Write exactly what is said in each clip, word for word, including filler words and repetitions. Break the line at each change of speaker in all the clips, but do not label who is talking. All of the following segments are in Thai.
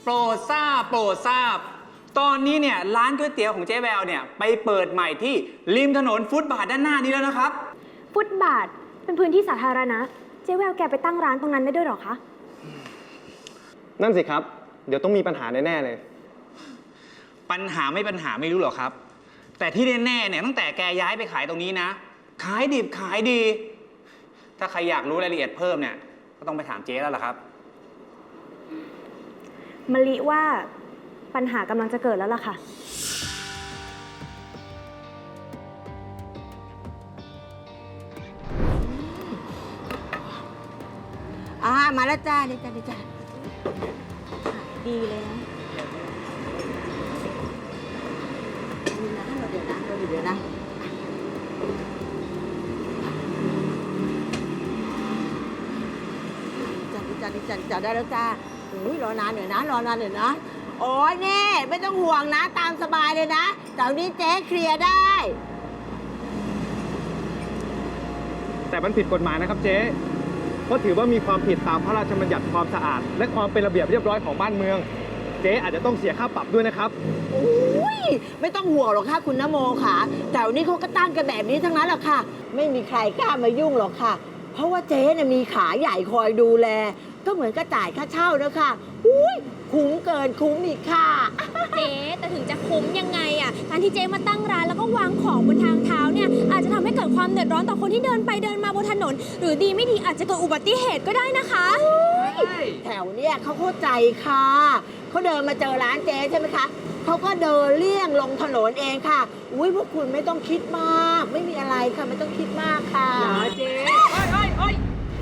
รดทราบโปรดทราบตอนนี้เนี่ยร้านก๋วยเตี๋ยวของเจ๊แววเนี่ยไปเปิดใหม่ที่ริมถนนฟุตบาทด้านหน้านี้แล้วนะครับ
ฟุตบาทเป็นพื้นที่สาธารณะเจ๊แววแกไปตั้งร้านตรงนั้นได้ด้วยหรอคะ
นั่นสิครับเดี๋ยวต้องมีปัญหาแน่ๆเลย
ปัญหาไม่ปัญหาไม่รู้หรอกครับแต่ที่แน่ๆเนี่ยตั้งแต่แกย้ายไปขายตรงนี้นะขายดิบขายดีถ้าใครอยากรู้รายละเอียดเพิ่มเนี่ยก็ต้องไปถามเจ๊แล้วล่ะครับ
มะลิว่าปัญหากำลังจะเกิดแล้วล่ะค่ะ
อ่ามาแล้วจ้าดีจ้าดีจ้าดีเลยนะมีนะเราเดี๋ยวนะเราเดี๋ยวนะจ้าดีจ้าดีจ้าจ้าได้แล้วจ้าอุ้ยรอนานหน่อยนะรอนานหน่อยนะโอ้ยนี่ไม่ต้องห่วงนะตามสบายเลยนะเดี๋ยวนี้เจ๊เคลียร์ได้
แต่มันผิดกฎหมายนะครับเจ๊เพราะถือว่ามีความผิดตามพระราชบัญญัติความสะอาดและความเป็นระเบียบเรียบร้อยของบ้านเมืองเจ๊อาจจะต้องเสียค่าปรับด้วยนะครับ
อุ้ยไม่ต้องห่วงหรอกค่ะคุณนโมค่ะแต่วันนี้เขาก็ตั้งกันแบบนี้ทั้งนั้นแหละค่ะไม่มีใครกล้ามายุ่งหรอกค่ะเพราะว่าเจ๊เนี่ยมีขาใหญ่คอยดูแลก็เหมือนกระจ่ายค่าเช่าแล้วค่ะอุ้ยคุ้มเกินคุ้มอีกค่ะ
เจ๊แต่ถึงจะคุ้มยังไงอ่ะการที่เจ๊มาตั้งร้านแล้วก็วางของบนทางเท้าเนี่ยอาจจะทำให้เกิดความเดือดร้อนต่อคนที่เดินไปเดินมาบนถนนหรือดีไม่ดีอาจจะเกิดอุบัติเหตุก็ได้นะคะ
แถวเนี้ยเขาเข้าใจค่ะเขาเดินมาเจอร้านเจ๊ใช่ไหมคะเขาก็เดินเลี่ยงลงถนนเองค่ะอุ้ยพวกคุณไม่ต้องคิดมากไม่มีอะไรค่ะไม่ต้องคิดมากค่ะ
อย่าเจ๊เฮ้ยเฮ้ยเฮ้ย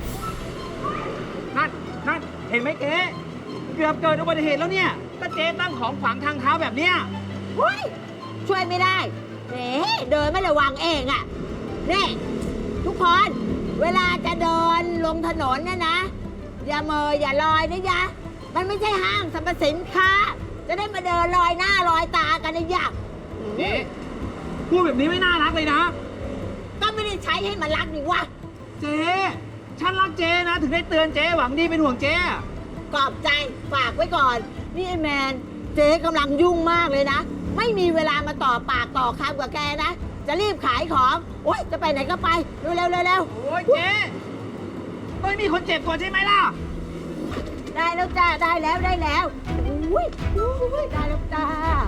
นั่นนั่นเห็นไหมเจ๊เกือบเกิดอุบัติเหตุแล้วเนี่ยถ้าเจ๊ตั้งของขวางทางเท้าแบบเนี้ย
เฮ้ยช่วยไม่ได้เฮ้เดินไม่ระวังเองอ่ะนี่ทุกคนเวลาจะเดินลงถนนเนี่ยนะอย่าเมออย่าลอยนะยะมันไม่ใช่ห้างสรรพสินค้าจะได้มาเดินลอยหน้าลอยตากันนะยะ
เจ๊พูดแบบนี้ไม่น่ารักเลยนะ
ก็ไม่ได้ใช้ให้มันรักนี่วะ
เจ๊ฉันรักเจ๊นะถึงได้เตือนเจ๊หวังดีเป็นห่วงเจ๊
ขอบใจฝากไว้ก่อนนี่ไอ้แมนเจ๊กำลังยุ่งมากเลยนะไม่มีเวลามาต่อปากต่อคำกับแกนะจะรีบขายของโอ๊ยจะไปไหนก็ไปเร็วเร็วเร็ว
โอ้ยเจ๊ไม่มีคนเจ็บก่อนใช่ไหมล่ะ
ได้แล้วจ้าได้แล้วได้แล้วอุ้ยอุ้ยได้แล้วจ้า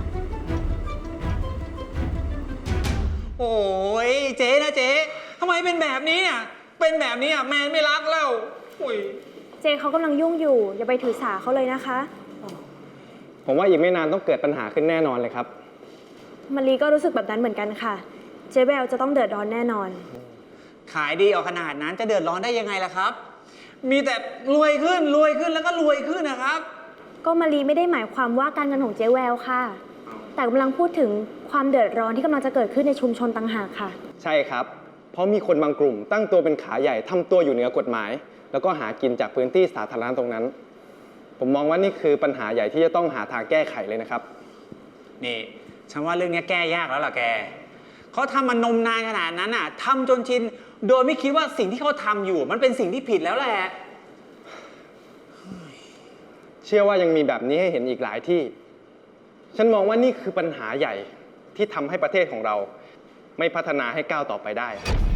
โอ้ยเจ๊นะเจ๊ทำไมเป็นแบบนี้เนี่ยเป็นแบบนี้อ่ะแมนไม่รักแล้วอุ้ย
เจเขากำลังยุ่งอยู่อย่าไปถือสาเขาเลยนะคะ
ผมว่าอีกไม่นานต้องเกิดปัญหาขึ้นแน่นอนเลยครับ
มะลิก็รู้สึกแบบนั้นเหมือนกันค่ะเจ๊แววจะต้องเดือดร้อนแน่นอน
ขายดีออกขนาดนั้นจะเดือดร้อนได้ยังไงล่ะครับมีแต่รวยขึ้นรวยขึ้นแล้วก็รวยขึ้นนะครับ
ก็มะลิไม่ได้หมายความว่าการเงินของเจ๊แววค่ะแต่กำลังพูดถึงความเดือดร้อนที่กำลังจะเกิดขึ้นในชุมชนต่างหากค่ะ
ใช่ครับเพราะมีคนบางกลุ่มตั้งตัวเป็นขาใหญ่ทำตัวอยู่เหนือกฎหมายแล้วก็หากินจากพื้นที่สาธารณะตรงนั้นผมมองว่านี่คือปัญหาใหญ่ที่จะต้องหาทางแก้ไขเลยนะครับ
นี่ฉันว่าเรื่องนี้แก้ยากแล้วล่ะแกเขาทำมันนมนานขนาดนั้นอ่ะทำจนชินโดยไม่คิดว่าสิ่งที่เขาทำอยู่มันเป็นสิ่งที่ผิดแล้วแหละ
เชื่อว่ายังมีแบบนี้ให้เห็นอีกหลายที่ฉันมองว่านี่คือปัญหาใหญ่ที่ทำให้ประเทศของเราไม่พัฒนาให้ก้าวต่อไปได้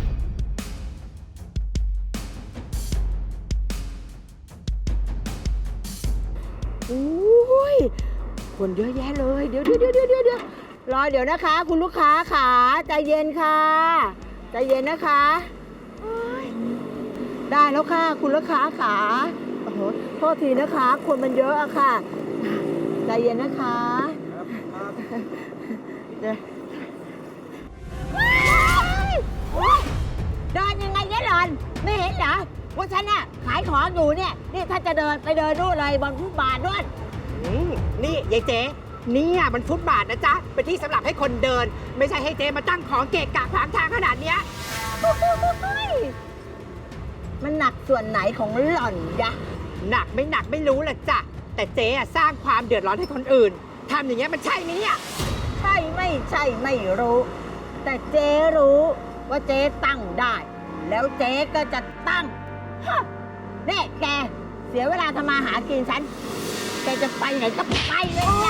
อุ้ยคนเยอะแยะเลยเดี๋ยวเดี๋ยวเดี๋ยวเดี๋ยวเดี๋ยวรอเดี๋ยวนะคะคุณลูกค้าขาใจเย็นค่ะใจเย็นนะคะได้แล้วค่ะคุณลูกค้าขาโอ้โหโทษทีนะคะคนมันเยอะอะค่ะใจเย็นนะคะเดี๋ยวเดินยังไงเนี่ยหลอนไม่เห็นเหรอว่าฉันน่ะขายของอยู่เนี่ยนี่ถ้าจะเดินไปเดินนู่นเลยบนฟุตบาทด้วย
นี่ยายเจ๊เนี่ยมันฟุตบาทนะจ๊ะเป็นที่สำหรับให้คนเดินไม่ใช่ให้เจ๊มาตั้งของเกะกะขวางทางขนาดเนี้ย
มันหนักส่วนไหนของหล่อนยะ
หนักไม่หนักไม่รู้แหละจ้ะแต่เจ๊สร้างความเดือดร้อนให้คนอื่นทำอย่างเงี้ยมันใช่ไหมเนี่ย
ใช่ไม่ใช่ไม่รู้แต่เจ๊รู้ว่าเจ๊ตั้งได้แล้วเจ๊ก็จะตั้งนี่แกเสียเวลาทำมาหากินฉันแกจะไปไหนก็ไปเลยนะ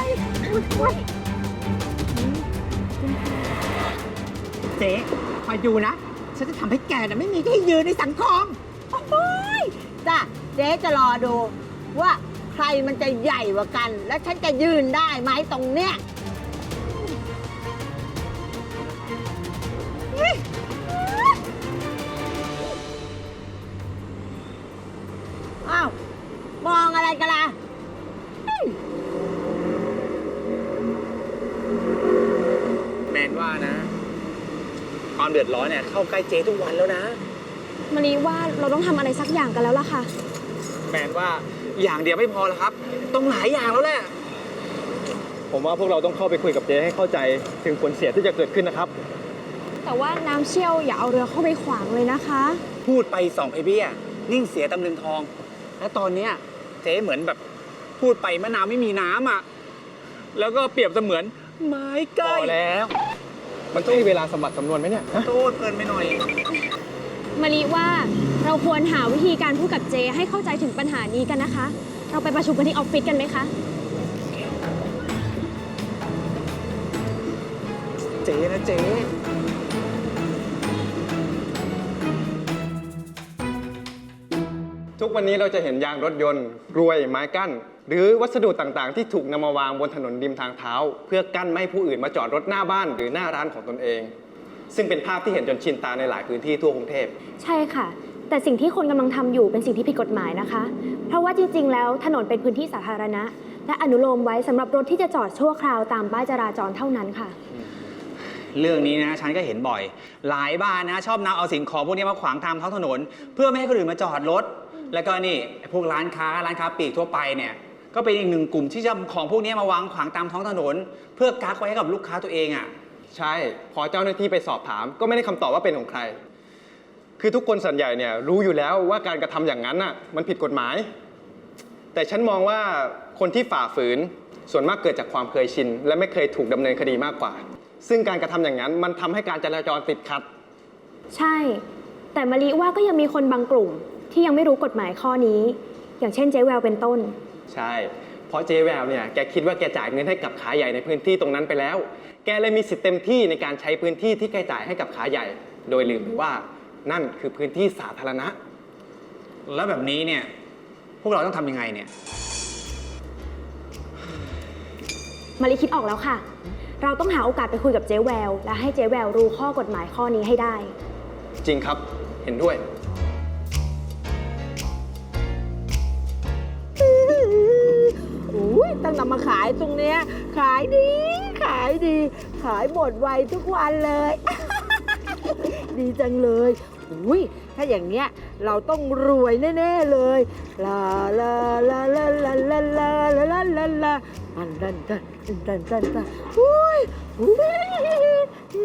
เจ๊คอยดูนะ ฉันจะทำให้แกน่ะไม่มีที่ยืนในสังคม
โอ้ยจ้ะเจ๊จะรอดู ว่าใครมันจะใหญ่กว่ากัน และฉันจะยืนได้ไหมตรงเนี้ยอ้าว มองอะไรกันล่ะ
แมนว่านะ ความเดือดร้อนเนี่ยเข้าใกล้เจ๊ทุกวันแล้วนะ
มะลิว่าเราต้องทำอะไรสักอย่างกันแล้วล่ะค่ะ
แมนว่าอย่างเดียวไม่พอแล้วครับ ต้องหลายอย่างแล้วแหละ
ผมว่าพวกเราต้องเข้าไปคุยกับเจ๊ให้เข้าใจถึงผลเสียที่จะเกิดขึ้นนะครับ
แต่ว่าน้ำเชี่ยวอย่าเอาเรือเข้าไปขวางเลยนะคะ
พูดไปสองไอเบี้ยนิ่งเสียตำลึงทอง และตอนเนี้ยเจ๊เหมือนแบบพูดไปมะนาวไม่มีน้ำอ่ะ แล้วก็เปรียบเสมือนไม้ใกล้
พอแล้ว มันต้องมีเวลาสมบัติสำนวนไหมเนี่ยฮะ
โทษเกินไปหน่อย
มะลิว่าเราควรหาวิธีการพูดกับเจให้เข้าใจถึงปัญหานี้กันนะคะ เราไปประชุมกันที่ออฟฟิศกันไหมคะ
เจ๊นะเจ๊
ทุกวันนี้เราจะเห็นยางรถยนต์กรวยไม้กั้น หรือวัสดุต่างๆ ที่ถูกนำมาวางบนถนนริมทางเท้า เพื่อกั้นไม่ให้ผู้อื่นมาจอดรถหน้าบ้านหรือหน้าร้านของตนเอง ซึ่งเป็นภาพที่เห็นจนชินตาในหลายพื้นที่ทั่วกรุงเทพ
ใช่ค่ะ แต่สิ่งที่คนกำลังทำอยู่เป็นสิ่งที่ผิดกฎหมายนะคะ เพราะว่าจริงๆ แล้วถนนเป็นพื้นที่สาธารณะ และอนุโลมไว้สำหรับรถที่จะจอดชั่วคราวตามป้ายจราจรเท่านั้นค่ะ
เรื่องนี้นะฉันก็เห็นบ่อย หลายบ้านนะชอบนำเอาสิ่งของพวกนี้มาขวางทางท้องถนน เพื่อไม่ให้คนอื่นมาจอดรถ แล้วก็นี่ไอ้พวกร้านค้าร้านค้าปลีกทั่วไปเนี่ยก็เป็นอีกหนึ่งกลุ่มที่จะของพวกนี้มาวางขวางตามท้องถนน เพื่อกักไว้ให้กับลูกค้าตัวเองอ่ะ
ใช่ พอเจ้าหน้าที่ไปสอบถาม ก็ไม่ได้คำตอบว่าเป็นของใคร คือทุกคนส่วนใหญ่เนี่ยรู้อยู่แล้วว่าการกระทำอย่างนั้นน่ะมันผิดกฎหมาย แต่ฉันมองว่าคนที่ฝ่าฝืนส่วนมากเกิดจากความเคยชิน และไม่เคยถูกดำเนินคดีมากกว่า ซึ่งการกระทำอย่างนั้นมันทำให้การจราจรติดขัด
ใช่ แต่มะลิว่าก็ยังมีคนบางกลุ่มที่ยังไม่รู้กฎหมายข้อนี้ อย่างเช่นเจ๊แววเป็นต้น
ใช่ เพราะเจ๊แววเนี่ยแกคิดว่าแกจ่ายเงินให้กับขาใหญ่ในพื้นที่ตรงนั้นไปแล้ว แกเลยมีสิทธิ์เต็มที่ในการใช้พื้นที่ที่แกจ่ายให้กับขาใหญ่ โดยลืมไปว่านั่นคือพื้นที่สาธารณะ
แล้วแบบนี้เนี่ยพวกเราต้องทำยังไงเนี่ย
มะลิคิดออกแล้วค่ะ เราต้องหาโอกาสไปคุยกับเจ๊แวว และให้เจ๊แววรู้ข้อกฎหมายข้อนี้ให้ได้
จริงครับ เห็นด้วย
อุ้ยตั้งนำมาขายตรงเนี้ยขายดี ขายดี ขายหมดไวทุกวันเลย ดีจังเลยอุ้ยถ้าอย่างเนี้ยเราต้องรวยแน่ๆเลยลาลาลาลาลาลาลาลาลาลาลาอันดันดันดันดันดันอุ้ยอุ้ย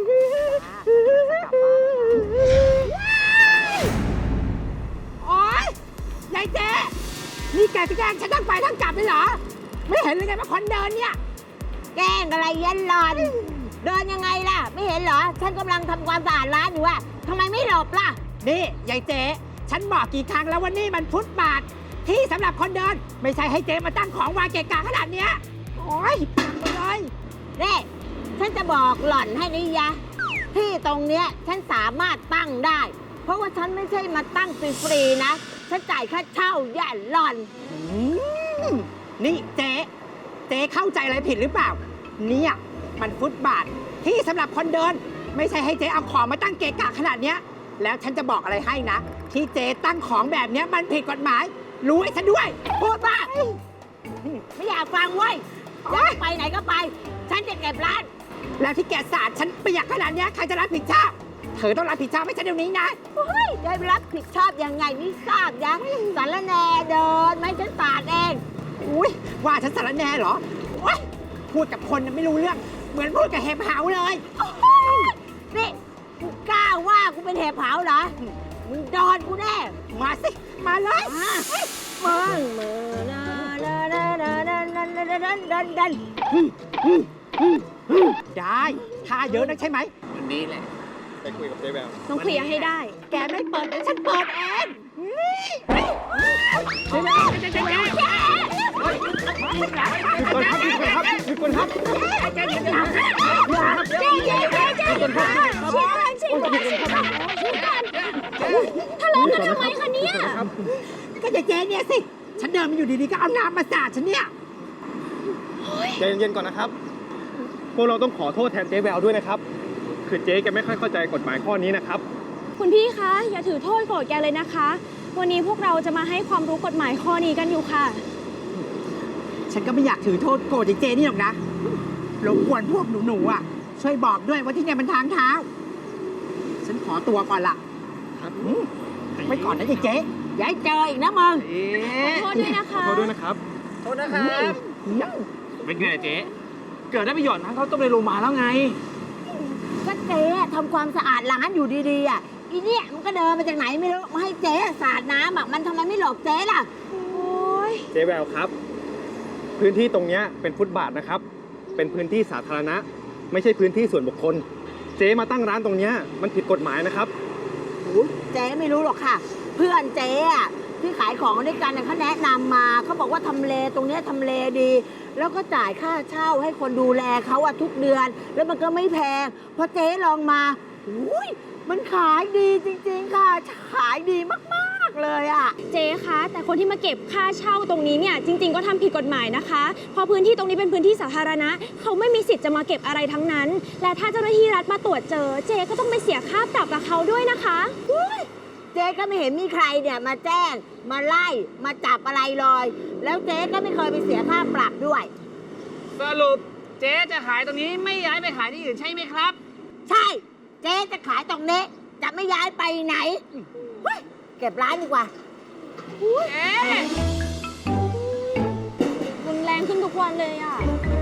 โอ๊ยยายเจ๊นี่แกจะแกล้งฉันทั้งไปทั้งกลับเลยเหรอ ไม่เห็นเลยไงว่าคนเดินเนี่ย แกล้งอะไรยันหลอน เดินยังไงล่ะ ไม่เห็นเหรอ ฉันกำลังทำความสะอาดร้านอยู่อะทำไมไม่หลบล่ะ
นี่ยายเจ๊ฉันบอกกี่ครั้งแล้วว่านี่มันฟุตบาท ที่สำหรับคนเดิน ไม่ใช่ให้เจ๊มาตั้งของวางเกะกะขนาดเนี้ยโอ๊ยพังไปเลย
นี่ ฉันจะบอกหล่อนให้นี่ยะ ที่ตรงเนี้ยฉันสามารถตั้งได้ เพราะว่าฉันไม่ใช่มาตั้งฟรีๆนะ ฉันจ่ายค่าเช่าอย่าหล่อน
อืมนี่เจ๊เจ๊เข้าใจอะไรผิดหรือเปล่า เนี่ยมันฟุตบาทที่สำหรับคนเดิน ไม่ใช่ให้เจ๊เอาของมาตั้งเกะกะขนาดเนี้ย แล้วฉันจะบอกอะไรให้นะ ที่เจ๊ตั้งของแบบเนี้ยมันผิดกฎหมาย รู้ไอ้ฉันด้วย
พูดว่าไม่อยากฟังเว้ยอยากไปไหนก็ไป ฉันจะเก็บร้าน
แล้วที่แกสาดฉันเปียกขนาดเนี้ยใครจะรับผิดชอบ เธอต้องรับผิดชอบให้ฉันเดี๋ยวนี้นะ
เฮ้ยได้รับผิดชอบยังไงไม่ทราบยังสารแหน่เดินไม่ฉันสาดเอง
อุ้ยว่าฉันสารแหน่เหรอโอ๊ยพูดกับคนน่ะไม่รู้เรื่อง เหมือนพูดกับเห็บหาวเลย
นี่กูกล้าว่ากูเป็นเห็บเผาเหรอ มึงโดนกูแน่
มาสิ มาเลย
มามึงมือนะนะนะนะนะนะนะนะนะนะนะ
ได้ท่าเยอะนักใช่ไหม
วันนี้แหละ
ไปคุยกับเจ๊แวว
ต้องเคลียร์ให้ได้
แกไม่เปิดเดี๋ยวฉันเปิดเอง
เฮ้ย
หยุดก่อนครับหยุดก่อนครับ
เจ๊เจ๊เจ๊เจ๊เจ๊เจ๊เจ๊ก่อนฉีดก่อนฉีดก่อนฉีดก่อนทะเลาะกันทำไมคะเนี่ย
ก็จะเจ๊เนี่ยสิ ฉันเดินมาอยู่ดีๆก็เอาน้ำมาสาดฉันเนี่ย
ใจเย็นๆก่อนนะครับ พวกเราต้องขอโทษแทนเจ๊แววด้วยนะครับ คือเจ๊แกไม่ค่อยเข้าใจกฎหมายข้อนี้นะครับ
คุณพี่คะ อย่าถือโทษโกรธแกเลยนะคะ วันนี้พวกเราจะมาให้ความรู้กฎหมายข้อนี้กันอยู่ค่ะ
ฉันก็ไม่อยากถือโทษโกรธเจ๊นี่หรอกนะรบกวนพวกหนูๆอ่ะ ช่วยบอกด้วยว่าที่เนี่ยมันทางเท้า ฉันขอตัวก่อนละครับไปก่อนนะเจ๊
อย่าให้เจออีกนะมึง
ขอโทษด้วยนะคะ
ขอโทษด้วยนะครับ
โทษนะครับเป็นไงเจ๊เกิดได้ประโยชน์นะเขาต้มในโรงมาแล้วไง
ก็เจ๊ทำความสะอาดร้านอยู่ดีๆอ่ะอีเนี่ยมันก็เดินมาจากไหนไม่รู้มาให้เจ๊สาดน้ำอ่ะมันทำไมไม่หลอกเจ๊ล่ะ
โอ้ย
เจ๊แววครับ พื้นที่ตรงเนี้ยเป็นฟุตบาทนะครับ เป็นพื้นที่สาธารณะ ไม่ใช่พื้นที่ส่วนบุคคล เจ๊มาตั้งร้านตรงเนี้ยมันผิดกฎหมายนะครับ
อุ๊ยเจ๊ไม่รู้หรอกค่ะ เพื่อนเจ๊อะที่ขายของด้วยกันน่ะเขาแนะนำมาเขาบอกว่าทำเลตรงเนี้ยทำเลดี แล้วก็จ่ายค่าเช่าให้คนดูแลเขาอะทุกเดือน แล้วมันก็ไม่แพงพอเจ๊ลองมาอุ้ยมันขายดีจริงๆค่ะ ขายดีมากๆเลยอะ
เจ๊คะ แต่คนที่มาเก็บค่าเช่าตรงนี้เนี่ยจริง ๆ ก็ทำผิดกฎหมายนะคะเพราะพื้นที่ตรงนี้เป็นพื้นที่สาธารณะเขาไม่มีสิทธิ์จะมาเก็บอะไรทั้งนั้น และถ้าเจ้าหน้าที่รัฐมาตรวจเจอ เจ๊ก็ต้องไปเสียค่าปรับกับเขาด้วยนะคะ
เจ๊ก็ไม่เห็นมีใครเนี่ยมาแจ้งมาไล่มาจับอะไรเลย แล้วเจ๊ก็ไม่เคยไปเสียค่าปรับด้วย
สรุปเจ๊จะขายตรงนี้ไม่ย้ายไปขายที่อื่นใช่ไหมครับ
ใช่ เจ๊จะขายตรงนี้ จะไม่ย้ายไปไหนเฮ้ยเก็บร้านดีกว่า
เอ๊ะ
รุนแรงขึ้นทุกวันเลยอ่ะ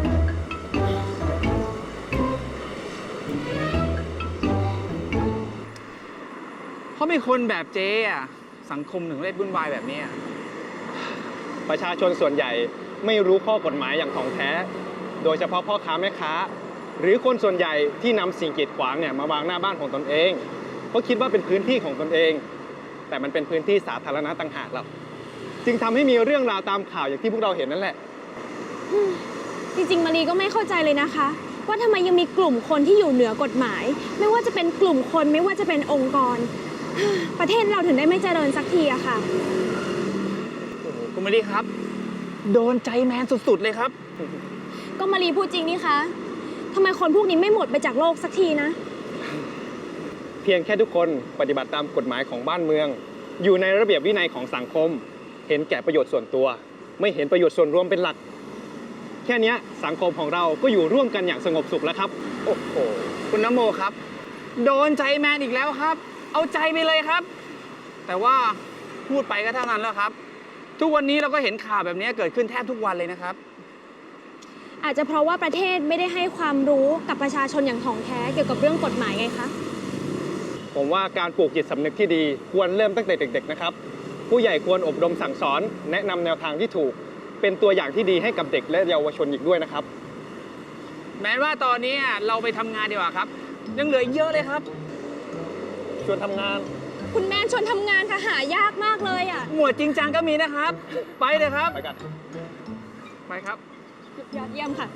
เพราะมีคนแบบเจ๊อะสังคมถึงได้วุ่นวายแบบนี้อะ
ประชาชนส่วนใหญ่ไม่รู้ข้อกฎหมายอย่างถ่องแท้ โดยเฉพาะพ่อค้าแม่ค้า หรือคนส่วนใหญ่ที่นำสิ่งกีดขวางเนี่ยมาวางหน้าบ้านของตนเองเพราะคิดว่าเป็นพื้นที่ของตนเอง แต่มันเป็นพื้นที่สาธารณะต่างหากเราจึงทำให้มีเรื่องราวตามข่าวอย่างที่พวกเราเห็นนั่นแหละ
จริงๆมารีก็ไม่เข้าใจเลยนะคะ ว่าทำไมยังมีกลุ่มคนที่อยู่เหนือกฎหมาย ไม่ว่าจะเป็นกลุ่มคนไม่ว่าจะเป็นองค์กร ประเทศเราถึงได้ไม่เจริญสักทีอะค่ะ
โอ้โหคุณมารีครับ โดนใจแมนสุดๆเลยครับ
ก็มารีพูดจริงนี่คะทำไมคนพวกนี้ไม่หมดไปจากโลกสักทีนะ
เพียงแค่ทุกคนปฏิบัติตามกฎหมายของบ้านเมือง อยู่ในระเบียบวินัยของสังคม เห็นแก่ประโยชน์ส่วนตัว ไม่เห็นประโยชน์ส่วนรวมเป็นหลัก แค่เนี้ยสังคมของเราก็อยู่ร่วมกันอย่างสงบสุขแล้วครับ
โอ้โหคุณนโมครับ โดนใจแมนอีกแล้วครับ เอาใจไปเลยครับ แต่ว่าพูดไปก็เท่านั้นแล้วครับ ทุกวันนี้เราก็เห็นข่าวแบบนี้เกิดขึ้นแทบทุกวันเลยนะครับ
อาจจะเพราะว่าประเทศไม่ได้ให้ความรู้กับประชาชนอย่างถ่องแท้เกี่ยวกับเรื่องกฎหมายไงคะ
ผมว่าการปลูกจิตสำนึกที่ดีควรเริ่มตั้งแต่เด็กๆนะครับ ผู้ใหญ่ควรอบรมสั่งสอน แนะนำแนวทางที่ถูก เป็นตัวอย่างที่ดีให้กับเด็กและเยาวชนอีกด้วยนะครับ
แม้ว่าตอนนี้เราไปทำงานดีกว่าครับ ยังเหลืออีกเยอะเลยครับ
ชวนทำงาน
คุณแม่ชวนทำงานค่ะหายากมากเลยอะ
หมวดจริงจังก็มีนะครับ ไปเลยครับ
ไปกัน
ไปครับ
ยอดเยี่ยมค่ะ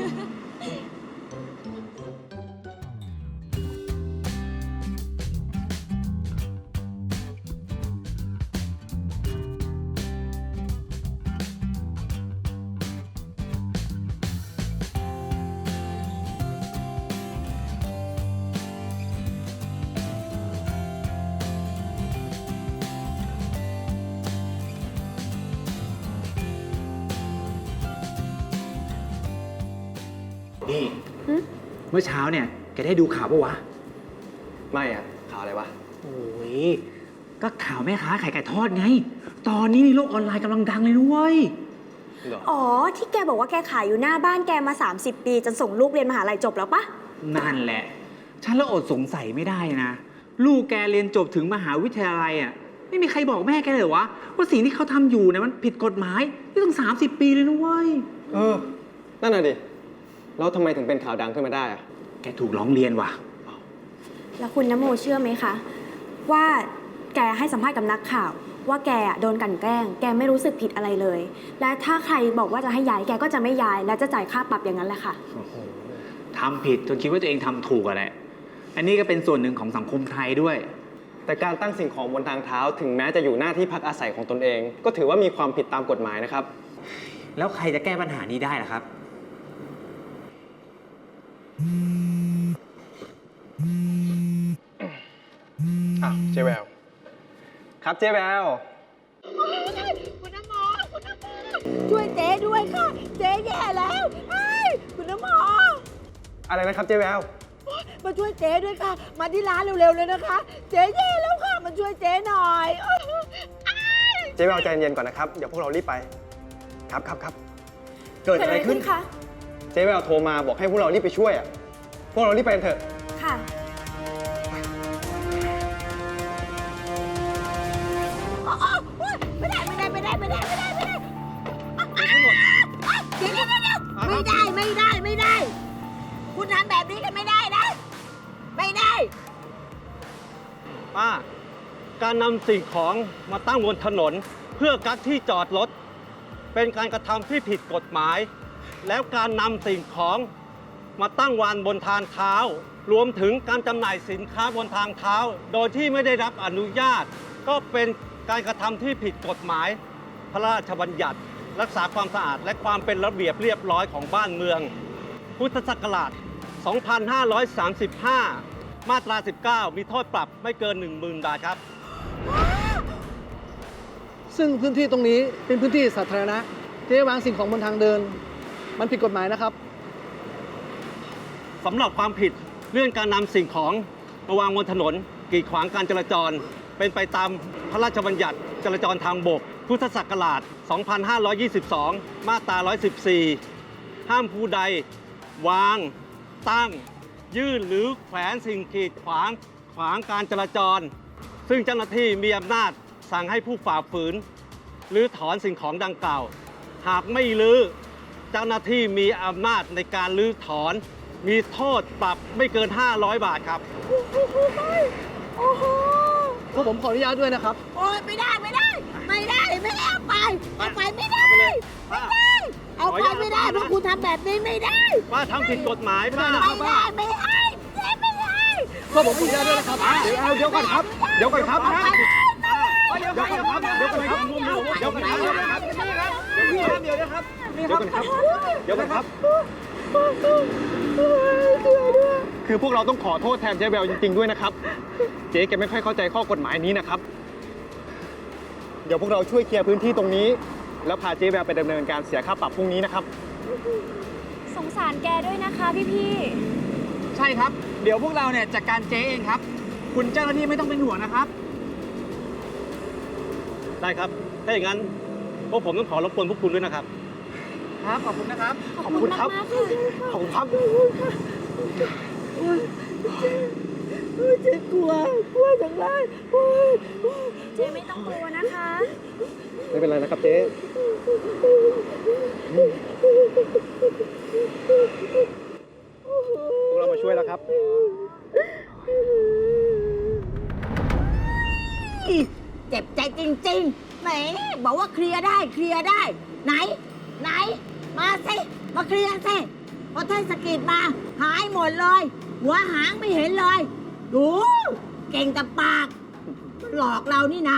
นี่ เมื่อเช้าเนี่ยแกได้ดูข่าวปะวะ
ไม่อะข่าวอะไรวะ
โอ้ย ก็ข่าวแม่ค้าขายไก่ทอดไง ตอนนี้ในโลกออนไลน์กำลังดังเลยนะเว้ย
อ๋อ ที่แกบอกว่าแกขายอยู่หน้าบ้านแกมา สามสิบ ปีจนส่งลูกเรียนมหาลัยจบแล้วปะ
นั่นแหละ ฉันละอดสงสัยไม่ได้นะ ลูกแกเรียนจบถึงมหาวิทยาลัยอ่ะ ไม่มีใครบอกแม่แกเลยวะ ว่าสิ่งที่เขาทำอยู่เนี่ยมันผิดกฎหมายนี่ต้องสามสิบปีเลยนะเว้ย
เออ นั่นน่ะดิ แล้วทำไมถึงเป็นข่าวดังขึ้นมาได้อะ
แกถูกร้องเรียนว่ะ
แล้วคุณนโมเชื่อไหมคะ ว่าแกให้สัมภาษณ์กับนักข่าว ว่าแกอะโดนกลั่นแกล้ง แกไม่รู้สึกผิดอะไรเลย และถ้าใครบอกว่าจะให้ย้ายแกก็จะไม่ย้าย และจะจ่ายค่าปรับอย่างนั้นแหละค่ะ
โอ้โหทำผิดจนคิดว่าตัวเองทำถูกอะแหละ อันนี้ก็เป็นส่วนหนึ่งของสังคมไทยด้วย
แต่การตั้งสิ่งของบนทางเท้าถึงแม้จะอยู่หน้าที่พักอาศัยของตนเอง ก็ถือว่ามีความผิดตามกฎหมายนะครับ
แล้วใครจะแก้ปัญหานี้ได้ล่ะครับ
อ่ะเจ๊แววครับเจ๊แวว
คุณน้ำหมอคุณน้ำหมอช่วยเจ๊ด้วยค่ะ เจ๊แย่แล้วเฮ้ยคุณน้ำหมอ
อะไรนะครับเจ๊แวว
มาช่วยเจ๊ด้วยค่ะ มาที่ร้านเร็วๆเลยนะคะ เจ๊แย่แล้วค่ะ มาช่วยเจ๊หน่อยอ้าย
เจ๊แววใจเย็นก่อนนะครับ เดี๋ยวพวกเรารีบไป ครับครับครับ
เกิดอะไรขึ้นคะ
เจ๊แววโทรมาบอกให้พวกเรารีบไปช่วยอ่ะ พวกเรารีบไปกันเถอะ
ค่ะ
อ๋ออ๋อโอ๊ยไม่ได้ไม่ได้ไม่ได้ไม่ได้ไม่ได้ไม่ได้อ้าวอ้าวเดี๋ยวเดี๋ยวเดี๋ยวไม่ได้ไม่ได้ไม่ได้ คุณทำแบบนี้กันไม่ได้นะ ไม่ได้
ป้า การนำสิ่งของมาตั้งบนถนน เพื่อกักที่จอดรถ เป็นการกระทำที่ผิดกฎหมาย แล้วการนำสิ่งของมาตั้งวางบนทางเท้า รวมถึงการจำหน่ายสินค้าบนทางเท้า โดยที่ไม่ได้รับอนุญาต ก็เป็นการกระทำที่ผิดกฎหมาย พระราชบัญญัติ รักษาความสะอาดและความเป็นระเบียบเรียบร้อยของบ้านเมือง พุทธศักราช สองพันห้าร้อยสามสิบห้า มาตรา สิบเก้า มีโทษปรับไม่เกิน หนึ่งหมื่น บาทครับ
ซึ่งพื้นที่ตรงนี้เป็นพื้นที่สาธารณะเจ๊วางสิ่งของบนทางเดิน มันผิดกฎหมายนะครับ
สำหรับความผิดเรื่องการนำสิ่งของมาวางบนถนนกีดขวางการจราจร เป็นไปตามพระราชบัญญัติจราจรทางบก พุทธศักราช สองพันห้าร้อยยี่สิบสอง มาตรา หนึ่งร้อยสิบสี่ ห้ามผู้ใด วาง ตั้ง ยื่นหรือแขวนสิ่งกีดขวางขวางการจราจร ซึ่งเจ้าหน้าที่มีอำนาจสั่งให้ผู้ฝ่าฝืนหรือถอนสิ่งของดังกล่าว หากไม่รื้อเจ้าหน้าที่มีอำนาจในการรื้อถอน มีโทษปรับไม่เกิน ห้าร้อย บาทครับ
โอ้โห
พวกผมขออนุญาตด้วยนะครับ
โอ้ยไม่ได้ไม่ได้ ไม่ได้ไม่ได้เอาไปเอาไปไม่ได้ไม่ได้ เอาไปไม่ได้เพราะคุณทำแบบนี้ไม่ได้
ป้าทำผิดกฎหมายป้า
ไม่ได้ไม่ให้เจ๊ไม่ให้
พวกผมขออนุญาตด้วยนะครับ
เดี๋ยวเอาเดี๋ยวก่อนครับ เดี๋ยวก่อนครับ
เอาไป
เดี๋ยวก่อนครับ เดี๋ยวก่อนครับ เดี๋ยวก่อนครับ เดี๋ยวก่อนครับ เดี๋ยวนะครับ เดี๋ยวก่อนครับ เดี๋ยวก่อนครับ คือพวกเราต้องขอโทษแทนเจ๊แววจริงๆด้วยนะครับ เจ๊แกไม่ค่อยเข้าใจข้อกฎหมายนี้นะครับ เดี๋ยวพวกเราช่วยเคลียร์พื้นที่ตรงนี้ แล้วพาเจ๊แววไปดำเนินการเสียค่าปรับพรุ่งนี้นะครับ
สงสารแกด้วยนะคะพี่
ใช่ครับ เดี๋ยวพวกเราเนี่ยจัดการเจ๊เองครับ คุณเจ้าหน้าที่ไม่ต้องเป็นห่วงนะครับ
ได้ครับ ถ้าอย่างนั้นพวกผมต้องขอรบกวนพวกคุณด้วยนะครับ
ครับ ขอบคุณนะครับ
ๆ ขอบคุณมากๆค่ะ
ขอบคุณครับ
โอ้ยเจ๊กลัวกลัวจังเลยโอ้ย
เจ๊ไม่ต้องกลัวนะคะ
ไม่เป็นไรนะครับเจ๊ พวกเรามาช่วยแล้วครับ
เจ็บใจจริงๆแหมบอกว่าเคลียร์ได้เคลียร์ได้ ไหน ไหน มาสิมาเคลียร์สิพอเทศกิจมา หายหมดเลย หัวหางไม่เห็นเลย ดู เก่งแต่ปาก หลอกเรานี่นา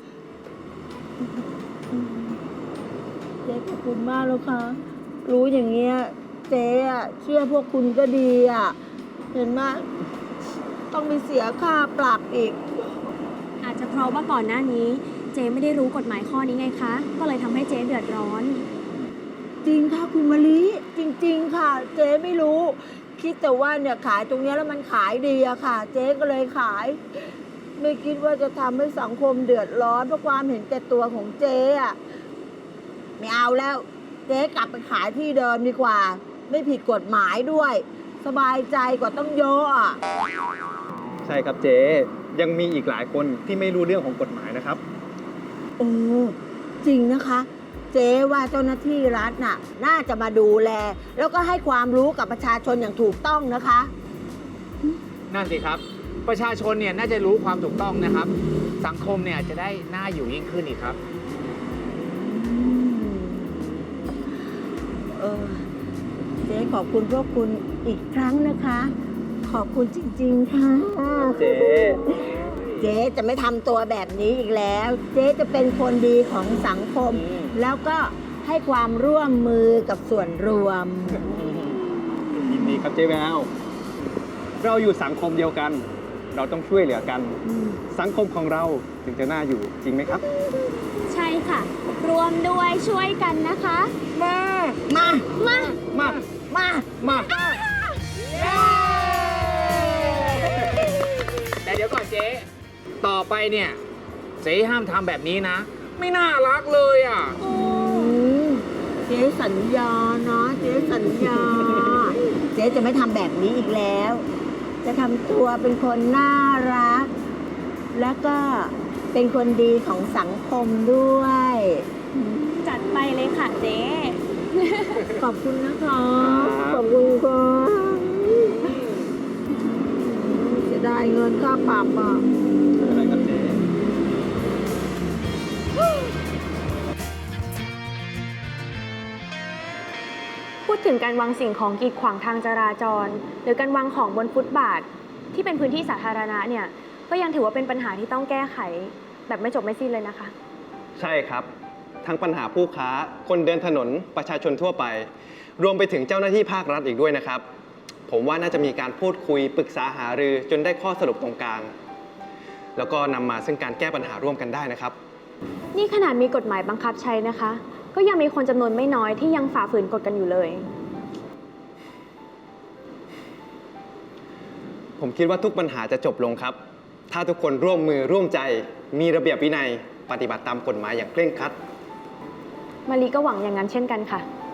เจ๊ขอบคุณมากแล้วค่ะ รู้อย่างเงี้ยเจ๊อะเชื่อพวกคุณก็ดีอะเห็นไหมต้องมีเสียค่าปรับอีก
อาจจะเพราะว่าก่อนหน้านี้ เจ๊ไม่ได้รู้กฎหมายข้อนี้ไงคะ ก็เลยทำให้เจ๊เดือดร้อน
จริงค่ะคุณมะลิจริง ๆ ค่ะ เจ๊ไม่รู้ คิดแต่ว่าเนี่ยขายตรงเนี้ยแล้วมันขายดีอะค่ะ เจ๊ก็เลยขาย ไม่คิดว่าจะทำให้สังคมเดือดร้อนเพราะความเห็นแก่ตัวของเจ๊อะไม่เอาแล้ว เจ๊กลับไปขายที่เดิมดีกว่า ไม่ผิดกฎหมายด้วย สบายใจกว่าต้องเยอะอะ
ใช่ครับเจ๊ ยังมีอีกหลายคนที่ไม่รู้เรื่องของกฎหมายนะครับ
โอ้จริงนะคะ เจ๊ว่าเจ้าหน้าที่รัฐน่ะ น่าจะมาดูแล แล้วก็ให้ความรู้กับประชาชนอย่างถูกต้องนะคะ
นั่นสิครับประชาชนเนี่ยน่าจะรู้ความถูกต้องนะครับ สังคมเนี่ยจะได้น่าอยู่ยิ่งขึ้นอีกครับ
เออเจ๊ขอบคุณพวกคุณอีกครั้งนะคะ ขอบคุณจริงๆค่ะ
เจ๊
เจ๊จะไม่ทำตัวแบบนี้อีกแล้ว เจ๊จะเป็นคนดีของสังคม แล้วก็ให้ความร่วมมือกับส่วนรวม
ยินดีครับเจ๊แววเราอยู่สังคมเดียวกัน เราต้องช่วยเหลือกัน สังคมของเราถึงจะน่าอยู่จริงไหมครับ
ใช่ค่ะ รวมด้วยช่วยกันนะคะ
มา มา
มา
มา
มา
มา
แต่เดี๋ยวก่อนเจ๊ ต่อไปเนี่ย เจ๊ห้ามทำแบบนี้นะ ไม่น่ารักเลยอ่ะ
อืมเจ๊สัญญานะเจ๊สัญญา เจ๊จะไม่ทำแบบนี้อีกแล้ว จะทำตัวเป็นคนน่ารัก แล้วก็เป็นคนดีของสังคมด้วย
จัดไปเลยค่ะเจ๊
ขอบคุณนะคะ ขอบคุณค่ะจะได้เงินค่าปรับอ่ะ
อะไรครับเจ๊
พูดถึงการวางสิ่งของกีดขวางทางจราจร หรือการวางของบนฟุตบาทที่เป็นพื้นที่สาธารณะเนี่ยก็ยังถือว่าเป็นปัญหาที่ต้องแก้ไขแบบไม่จบไม่สิ้นเลยนะคะ
ใช่ครับ ทั้งปัญหาผู้ค้า คนเดินถนน ประชาชนทั่วไป รวมไปถึงเจ้าหน้าที่ภาครัฐอีกด้วยนะครับ ผมว่าน่าจะมีการพูดคุยปรึกษาหารือจนได้ข้อสรุปตรงกลาง แล้วก็นำมาซึ่งการแก้ปัญหาร่วมกันได้นะครับ
นี่ขนาดมีกฎหมายบังคับใช้นะคะ ก็ยังมีคนจำนวนไม่น้อยที่ยังฝ่าฝืนกฎกันอยู่เลย
ผมคิดว่าทุกปัญหาจะจบลงครับ ถ้าทุกคนร่วมมือร่วมใจ มีระเบียบวินัย ปฏิบัติตามกฎหมายอย่างเคร่งครัด
มารีก็หวังอย่างนั้นเช่นกันค่ะ